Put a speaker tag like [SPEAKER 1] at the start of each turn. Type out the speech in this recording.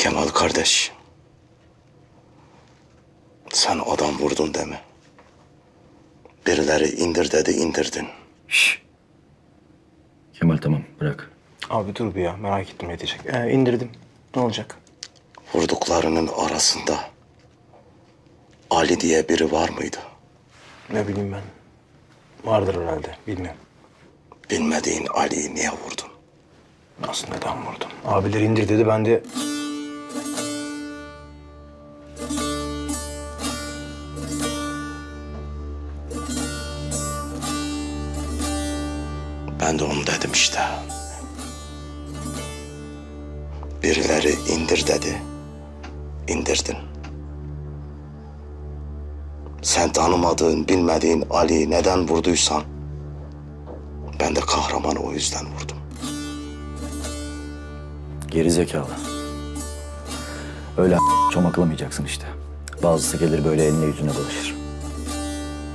[SPEAKER 1] Kemal kardeş. Sen adam vurdun deme. Birileri indir dedi, indirdin.
[SPEAKER 2] Şş. Kemal tamam bırak.
[SPEAKER 3] Abi dur bir ya, merak ettim ne diyecek. İndirdim. Ne olacak?
[SPEAKER 1] Vurduklarının arasında Ali diye biri var mıydı?
[SPEAKER 3] Ne bileyim ben. Vardır herhalde, bilmiyorum.
[SPEAKER 1] Bilmediğin Ali'yi niye vurdun?
[SPEAKER 3] Nasıl, neden vurdum? Abileri indir dedi, ben de...
[SPEAKER 1] Ben de onu dedim işte. Birileri indir dedi, indirdin. Sen tanımadığın, bilmediğin Ali'yi neden vurduysan... ben de kahramanı o yüzden vurdum.
[SPEAKER 2] Geri zekalı. Öyle çomaklamayacaksın işte. Bazısı gelir böyle eline yüzüne dolaşır.